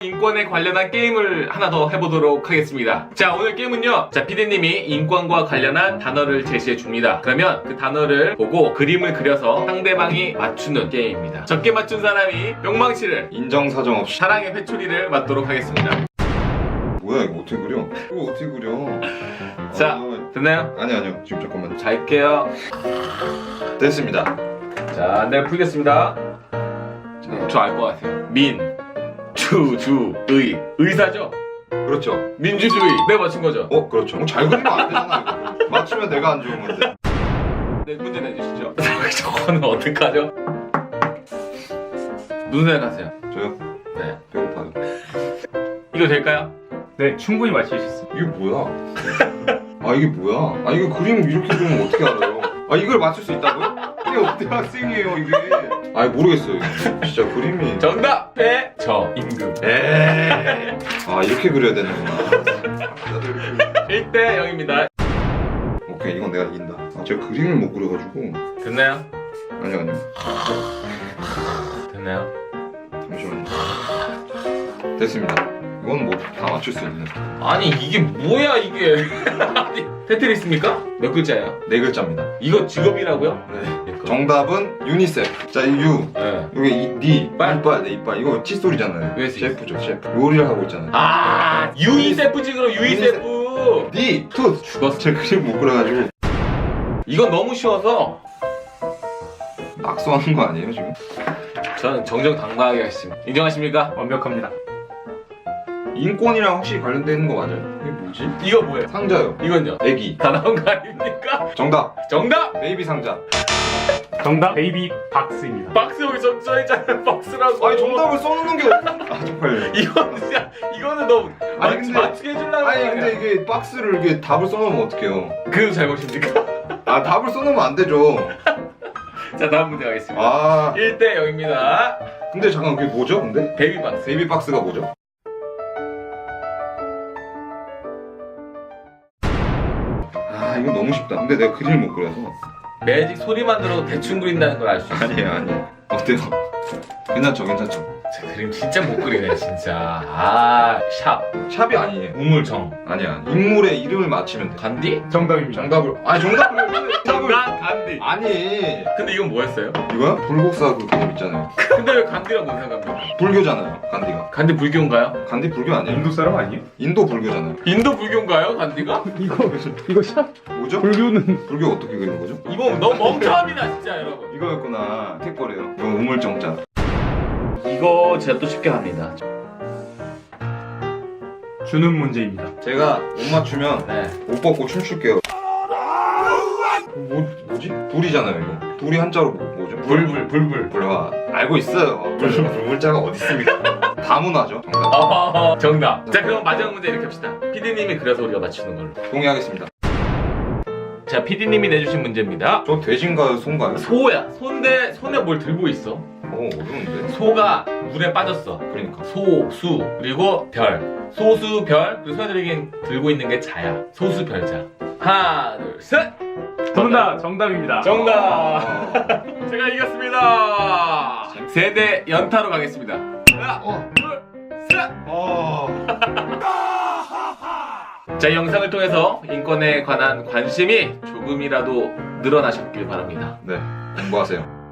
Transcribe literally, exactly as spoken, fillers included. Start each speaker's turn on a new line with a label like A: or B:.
A: 인권에 관련한 게임을 하나 더 해보도록 하겠습니다. 자, 오늘 게임은요, 자, 피디님이 인권과 관련한 단어를 제시해 줍니다. 그러면 그 단어를 보고 그림을 그려서 상대방이 맞추는 게임입니다. 적게 맞춘 사람이 뿅망치를,
B: 인정사정 없이.
A: 사랑의 회초리를 맞도록 하겠습니다.
B: 뭐야 이거 어떻게 그려? 이거 어떻게 그려?
A: 자,
B: 아,
A: 됐나요?
B: 아니 아니요 지금 잠깐만.
A: 자, 할게요.
B: 됐습니다.
A: 자, 네, 풀겠습니다. 저 알 것 같아요. 민, 주, 주, 의. 의사죠?
B: 그렇죠.
A: 민주주의. 네, 맞춘 거죠?
B: 어 그렇죠. 어, 잘 그리면 안 되잖아 이거. 맞추면 내가 안 좋은 건데.
A: 네, 문제 내주시죠. 저거는 어떡하죠? 무슨 생각하세요?
B: 저요?
A: 네.
B: 배고파요.
A: 이거 될까요?
C: 네, 충분히 맞힐 수 있습니다.
B: 이게 뭐야? 아 이게 뭐야? 아 이거 그림 이렇게 그리면 어떻게 알아요? 아 이걸 맞출 수 있다고요? 이게 어떻게 학생이에요 이게? 아 모르겠어요 이거. 진짜 그림이.
A: 정답! 배저 임금.
B: 에이. 아 이렇게 그려야 되는구나.
A: 일 대 영입니다.
B: 오케이 이건 내가 이긴다. 아 제가 그림을 못 그려가지고.
A: 됐나요?
B: 아니요 아니요.
A: 됐나요?
B: 잠시만요. 됐습니다. 이건 뭐 다 맞출 수 있는.
A: 아니, 이게 뭐야, 이게. 아니, 테트리스입니까? 몇 글자예요?
B: 네 글자입니다.
A: 이거 직업이라고요?
B: 네. 정답은 유니셉. 자, 이 유.
A: 네.
B: 여기 이, 니.
A: 이빨.
B: 이빨, 네, 이빨. 이거 칫솔이잖아요.
A: 왜 쓰-
B: 셰프죠, 셰프. 요리를 하고 있잖아요.
A: 아, 유니세프지, 그럼 유니세프.
B: 니, 투.
A: 죽었어.
B: 제 그림 못 그려가지고.
A: 이건 너무 쉬워서
B: 낙서하는 거 아니에요, 지금?
A: 저는 정정당당하게 하겠습니다. 인정하십니까?
C: 완벽합니다.
B: 인권이랑 확실히 관련돼 있는 거 맞아요. 이게 뭐지?
A: 이거 뭐예요?
B: 상자요.
A: 이건요?
B: 애기.
A: 다 나온 거 아닙니까?
B: 정답.
A: 정답!
B: 베이비 상자.
C: 정답 베이비 박스입니다.
A: 박스 여기 써- 써있잖아요. 박스라고.
B: 아니, 정답을 써놓는 게. 아, 정말요.
A: 이거는 진짜, 이거는 너무
B: 아니,
A: 맞,
B: 근데-
A: 맞추게 해주려고
B: 아니,
A: 하는
B: 근데
A: 거야.
B: 이게 박스를 이게 답을 써놓으면 어떡해요?
A: 그래도 잘못입니까?
B: 아, 답을 써놓으면 안 되죠.
A: 자, 다음 문제 가겠습니다.
B: 아,
A: 일 대 영입니다.
B: 근데 잠깐 그게 뭐죠, 근데?
A: 베이비 박스.
B: 베이비 박스가 뭐죠? 아 이거 너무 쉽다. 근데 내가 그림을 못 그려서.
A: 매직 소리만 들어도 대충 그린다는 걸 알 수 있어요.
B: 아니에요 아니에요. 어때요? 괜찮죠 괜찮죠.
A: 제 그림 진짜 못 그리네, 진짜. 아, 샵.
B: 샵이 아니에요.
A: 우물청.
B: 아니야. 인물의 이름을 맞히면 돼.
A: 간디?
C: 정답입니다.
B: 정답을. 아니 정답을. 정답을.
A: 정답 간디.
B: 아니.
A: 근데 이건 뭐였어요?
B: 이거야? 불국사 그 그림 있잖아요.
A: 근데 왜 간디랑 뭔 상관입니까?
B: 불교잖아요. 간디가.
A: 간디 불교인가요?
B: 간디 불교 아니에요?
C: 인도 사람 아니에요?
B: 인도 불교잖아요.
A: 인도 불교인가요, 간디가?
C: 이거 이거 샵
B: 뭐죠?
C: 불교는
B: 불교 어떻게 그리는 거죠?
A: 이거 너무 멍청합니다, 진짜, 여러분.
B: 이거였구나. 택거래요. 이거 우물정자.
A: 이거 제가 또 쉽게 합니다.
C: 주는 문제입니다.
B: 제가 못 맞추면
A: 네.
B: 옷 벗고 춤출게요. 뭐, 뭐지? 불이잖아요 이거. 불이 한자로 뭐, 뭐죠?
A: 불불, 불불.
B: 불화. 알고 있어요. 불, 불물자가 어디 있습니까? 다문화죠. 정답.
A: 어, 정답. 자, 그럼 마지막 문제 이렇게 합시다. 피디님이 그려서 우리가 맞추는 걸로.
B: 동의하겠습니다.
A: 자, 피디님이 내주신 문제입니다.
B: 저 돼지인가요? 소인가요?
A: 소야. 소인데 손에 뭘 들고 있어?
B: 어 어려운데.
A: 소가 물에 빠졌어.
B: 그러니까.
A: 소, 수, 그리고 별. 소수, 별, 그리고 손에 들긴 들고 있는 게 자야. 소수, 별자. 하나, 둘, 셋!
C: 정답 정답입니다.
A: 정답!
B: 아,
A: 제가 이겼습니다! 세대 연타로 가겠습니다. 하나,
B: 어.
A: 둘, 셋!
B: 어.
A: 자, 이 영상을 통해서 인권에 관한 관심이 조금이라도 늘어나셨길 바랍니다.
B: 네. 공부하세요.